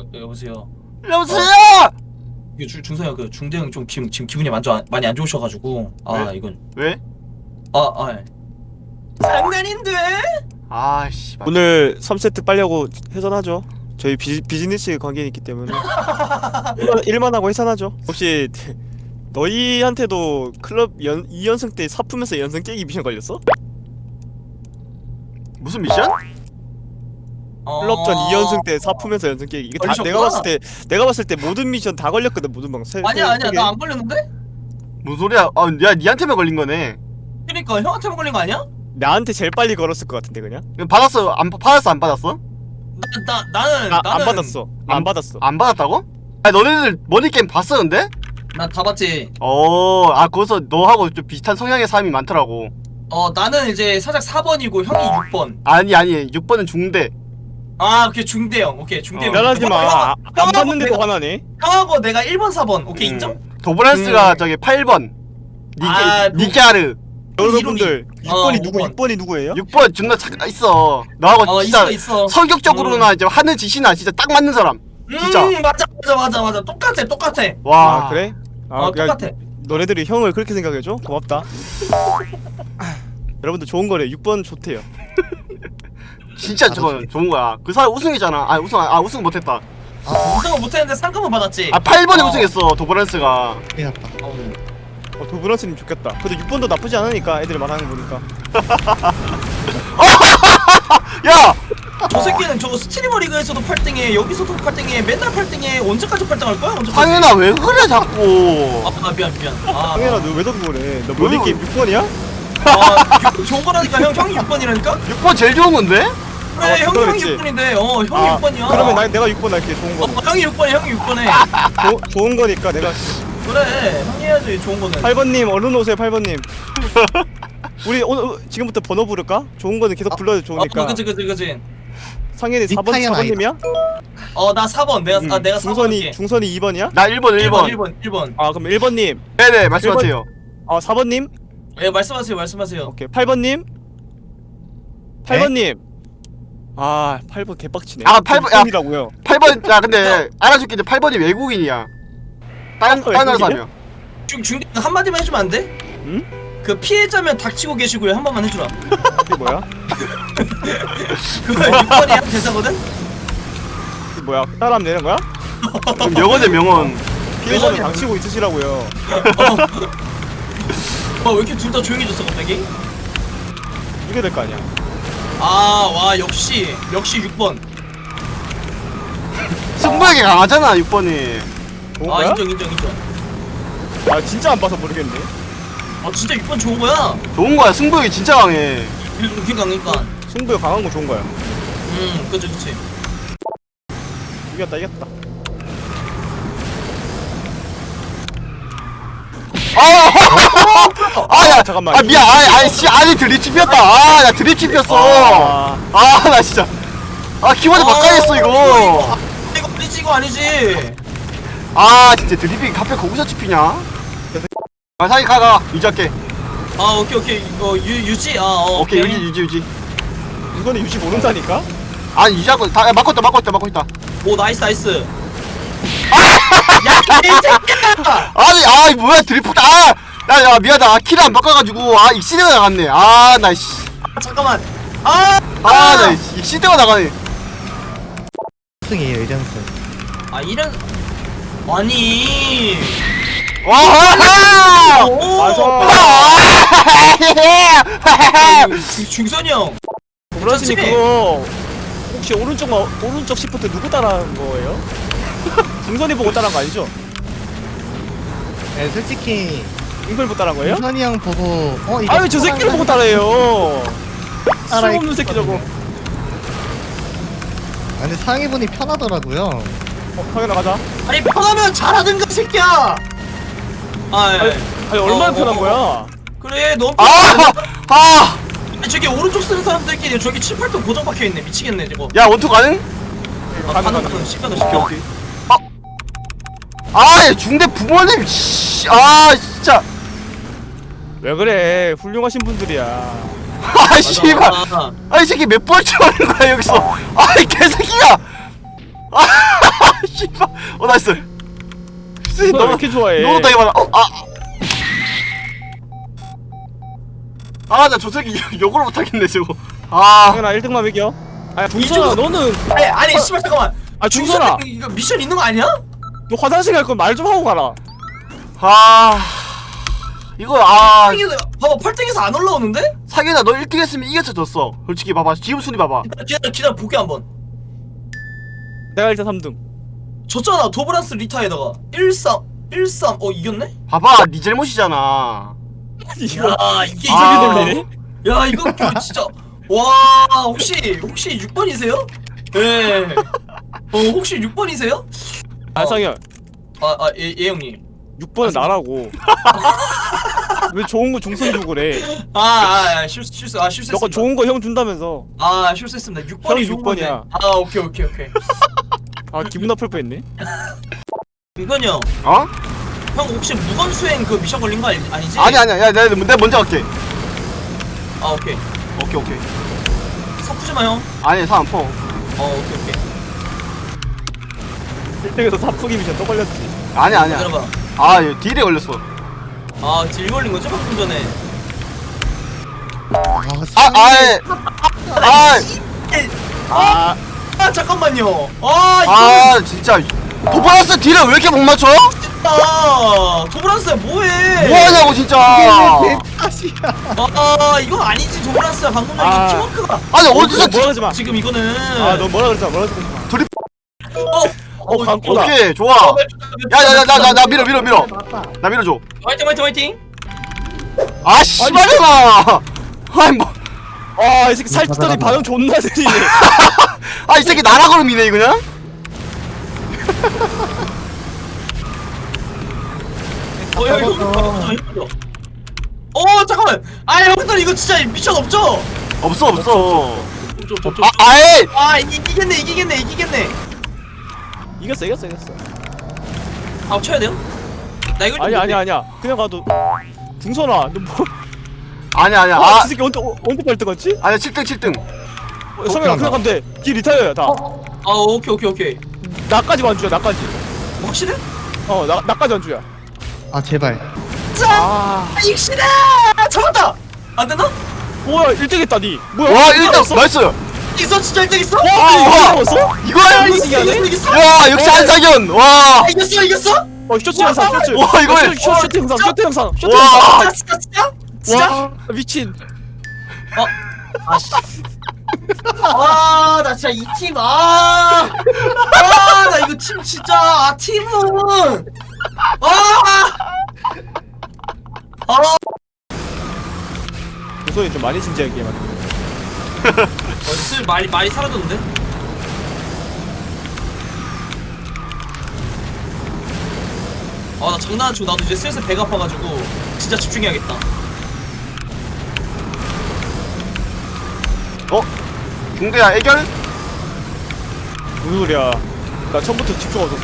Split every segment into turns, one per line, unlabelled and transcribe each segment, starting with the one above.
여보세요.
여보세요!
이게 중성이 그 중대형 좀 지금 기분이 많이 안 좋으셔가지고
왜?
이건
왜?
예. 장난인데?
아씨.
오늘 3세트 빨려고 해산하죠. 저희 비즈니스 관계는 있기 때문에 일만 하고 해산하죠. 혹시 너희한테도 클럽 2연승 때 사프면서 연승 깨기 미션 걸렸어?
무슨 미션?
클럽전 2연승 때 사프면서 연승 깨기. 이게 다
걸리셨구나.
내가 봤을 때 모든 미션 다 걸렸거든. 모든 방
아니야 나 안 걸렸는데?
무슨 소리야? 야 니한테만 걸린 거네.
그러니까 형한테만 걸린 거 아니야?
나한테 제일 빨리 걸었을 것 같은데 그냥.
받았어? 안 받았어?
나는
안 받았어. 안 받았어.
안 받았다고? 아 너네들 머니게임 봤어 근데?
난 다 봤지.
거기서 너하고 좀 비슷한 성향의 사람이 많더라고.
나는 이제 살짝 4번이고 형이 6번.
아니 6번은 중대.
오케이 중대형. 오케이 중대형.
미안하지 마. 안 봤는데도
내가,
화나네.
형하고 내가 1번 4번. 오케이 인정?
도브란스가 저기 8번. 니게아르.
여러분들 6번이 누구?
6번.
6번이 누구예요?
6번 존나 있어. 너하고 진짜
있어.
성격적으로나 이제 하는 짓이나 진짜 딱 맞는 사람. 진짜.
맞아. 똑같아.
와.
그래?
똑같아.
너네들이 형을 그렇게 생각해줘? 고맙다. 여러분들 좋은 거래. 6번 좋대요.
진짜 저거 좋은 거야. 그 사람 우승이잖아. 우승 못했다.
우승은 못했는데 상금은 받았지.
8번에 우승했어 도브란스가.
도브란스님 좋겠다. 근데 6번도 나쁘지 않으니까 애들이 말하는 거 보니까.
야!
저 새끼는 저거 스트리머 리그에서도 8등해, 여기서도 8등해, 맨날 8등해. 언제까지 8등할 거야? 언제까지?
상현아 왜 그래 자꾸.
미안.
상현아 너 왜 더 그래? 너 머리게임 6번이야?
좋은 거라니까. 형이 6번이라니까?
6번 제일 좋은 건데?
그래 형이
그렇지.
6번인데 형이 6번이야.
그러면 내가 6번 할게. 좋은 거.
형이 6번해.
좋은 거니까 내가.
그래 형이 해야지 좋은 거는.
8번님 얼른 오세요. 8번님. 우리 오늘 지금부터 번호 부를까? 좋은 거는 계속 불러도 좋으니까.
그치.
상현이 4번님이야?
나 4번. 내가 4번.
중선이 2번이야?
나 1번.
1번.
그럼 1번님.
네네 말씀하세요.
4번님?
예, 말씀하세요.
오케이. 8번님? 8번님. 8번 개빡치네.
8번 야
6번이라고요.
8번 야 근데 알아줄게. 이제 8번이 외국인이야. 딴 나라 사람이야.
중대 한마디만 해주면 안 돼?
응?
그 피해자면 닥치고 계시고요. 한 번만 해주라.
이게 뭐야?
그거 6번이야 대사거든?
이게 뭐야? 따라하면 되는 거야?
그럼 명언이야 명언.
피해자는 당치고 있으시라고요.
왜 이렇게 둘 다 조용해졌어 갑자기?
이게 될 거 아니야.
와 역시 6번.
승부욕이 강하잖아 6번이.
좋은 거야?
인정.
진짜 안 봐서 모르겠네.
진짜 6번 좋은 거야.
좋은 거야. 승부욕이 진짜 강해.
그러니까.
승부가 강한 거 좋은 거야.
그치.
이겼다.
야
잠깐만.
미안. 아니 드립 찝혔다. 야 드립 찝혔어. 나 진짜. 키보드 바꿔야겠어 이거.
이거 아니지.
진짜 드립이 갑자기 거기서 찝히냐? 사기 가가 유지할게.
오케이. 이거 유지.
오케이 유지.
이거는 유지 모른다니까?
아니 유지하고 다 막고 있다.
오 나이스. 야 개새끼야.
아니 뭐야 드리프트. 야 미안하다. 키를 안 바꿔가지고 익시대가 나갔네. 나 씨.
잠깐만.
나 익시대가 나가네.
승이에요, 1연승.
이런. 아니.
와!
중선이 형.
브라스님 그거 혹시 오른쪽 시프트 누구 따라한 거예요? 중선이 보고 따라한 거 아니죠?
네, 솔직히
중선이 보고 따라한 거예요?
선이 형 보고 이거
저 새끼를 보고 따라해요.
따라했거든요.
쓸모없는 새끼 저거.
근데 상해분이 편하더라고요.
당연히 나가자.
아니 편하면 잘하든가 새끼야.
아니 얼마나 편한 거야?
그래 너무 저기 오른쪽 쓰는 사람들끼리 저기 7, 8등 고정 박혀있네. 미치겠네 저거.
야 원투 가능?
가능. 시간도
오케이.
중대 부모님 씨. 진짜.
왜 그래? 훌륭하신 분들이야.
씨발. 이 새끼 몇 번째 하는 거야 여기서. 개새끼야. 씨발. 나이스.
왜 이렇게 좋아해?
너무 되게 많아. 나 저 새끼 욕을 못하겠네 저거.
형아 1등만 매겨. 아야 중선아 너는
아니 씨발 잠깐만.
중선아
이거 미션 있는 거 아니야?
너 화장실 갈 거면 말 좀 하고 가라.
이거
봐봐 8등에서 안 올라오는데?
상현아 너 1등 했으면 이겼어 졌어. 솔직히 봐봐 지금 순위 봐봐.
기다려 볼게 한번.
내가 일단 3등.
졌잖아 도브란스 리타에다가 1-3 이겼네?
봐봐 네 잘못이잖아.
이거
야 이게
아.
돌리네?
야 이거 진짜 와 혹시 6번이세요? 네. 혹시 6번이세요?
상현
예 형님.
6번은 나라고. 왜 좋은 거 중선 주고 그래?
실수했습니다.
너가 좋은 거 형 준다면서.
실수했습니다. 6번이
형이
좋은
6번이야.
건데. 오케이.
기분 나쁠 뻔했네.
이건이 형.
어?
형 혹시 무건 수행 그 미션 걸린 거 아니지?
아니야 야 내가 먼저 갈게.
오케이.
오케이.
섞지 마 형.
아니 사안 퍼.
오케이.
1등에서 사프기 미션 또 걸렸지.
아니야.
기다려봐.
얘 딜에 걸렸어.
딜 걸린 거죠 방금 전에. 잠깐만요. 이거
진짜 도파라스 딜을 왜 이렇게 못 맞춰?
도브란스야 뭐해?
뭐하냐고 진짜.
이거 아니지 도브란스야 방금 전에
아.
팀워크가.
아니 어디서
뭐라 하지 마.
지금 이거는.
너 뭐라 그러지 마. 광고다.
오케이 좋아. 야 나 밀어. 나 밀어줘.
화이팅.
씨발이나. 아니 뭐.
이 새끼 살찌더니 반응 존나 느리네.
이 새끼 나라 걸음이네 그냥.
잠깐만. 형들 이거 진짜 미션 없죠?
없어.
좀.
아예.
이기겠네.
이겼어.
쳐야 돼요? 나 이거
아니야. 그냥 가도. 중선아, 너 뭐?
아니야.
이 새끼 언제 8등 갔지?
아니야 7등.
성현아 그냥 가면 돼. 길 리타이어야 다.
오케이.
나까지 완주야. 나까지.
확실해?
나까지 완주야.
제발.
익시다! 잡았다! 안 되나?
뭐야 1등 했다 니. 뭐야?
와 1등 나이스.
있어? 진짜 1등 있어?
이거 잡았어?
이거야.
이겼어?
야 역시 한상현. 와.
이겼어?
쇼츠 영상 쇼츠.
와, 이걸-
쇼트 영상. 쇼트 영상.
와.
진짜?
와 미친.
나 진짜 이 팀, 나 이거 팀 진짜, 팀은!
소리 좀 많이 진지하게 게임하네.
슬 말이 사라졌는데? 나 장난 안 치고 나도 이제 슬슬 배가 아파가지고 진짜 집중해야겠다.
중대야 애결?
무슨 소리야? 나 처음부터 집중 없었어.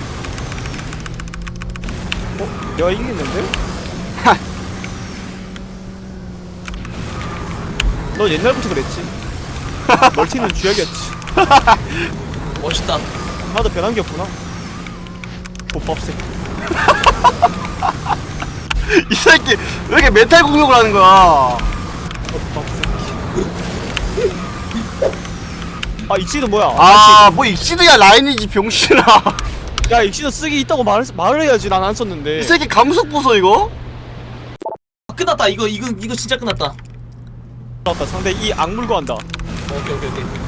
내가 이기겠는데? 너 옛날부터 그랬지. 멀티는 쥐약이었지.
멋있다.
나도 변한 게 없구나. 족밥 새끼.
이 새끼 왜 이렇게 메탈 공격을 하는 거야?
족밥 새끼. 익시드 뭐야?
뭐 익시드야 라인이지 병신아.
야 익시드 쓰기 있다고 말을 해야지. 난 안 썼는데.
이 새끼 감속 부서 이거?
끝났다. 이거 진짜 끝났다.
맞다. 상대 이 악물고 한다.
오케이.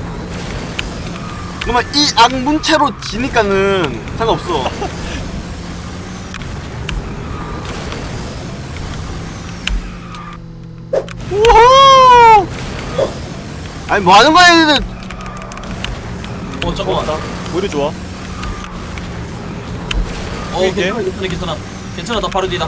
그러면 이 악문체로 지니까는 상관없어. 우와! 아니 뭐 하는 거야 얘들?
잠깐만.
오히려 좋아. 이게?
괜찮아. 나 바로 뒤.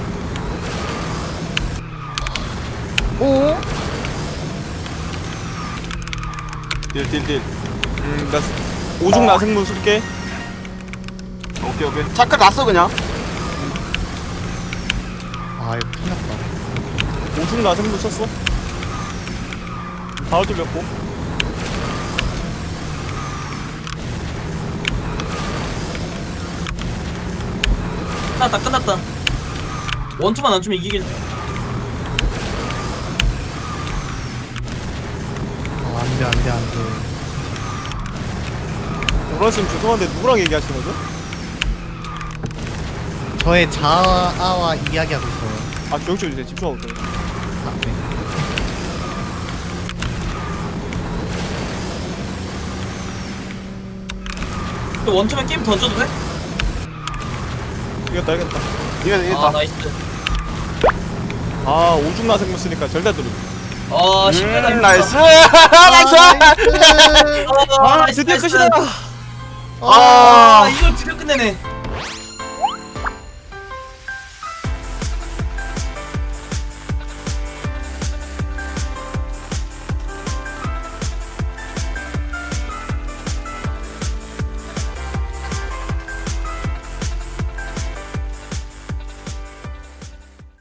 딜.
나 오중 나생문 쓸게.
오케이. 잠깐 갔어 그냥.
이거 큰일 났다.
오중 나생문 썼어. 바로 뚫렸고.
끝났다. 원투만 안 주면 이기긴.
안돼 안돼 안돼.
노란쌤 죄송한데 누구랑 얘기하시는 거죠?
저의 자아와 이야기하고 있어요.
아 교육 좀 주세요. 집중하고 있어요.
아, 네.
또 원투만 게임 던져도 돼?
이겼다 이겼다.
이겼다.
나이스.
아 오중나 생물 쓰니까 절대 들어.
신기하다.
나이스. 나이스.
나이스.
드디어 끝이다.
아.
이걸 드디어 끝내네.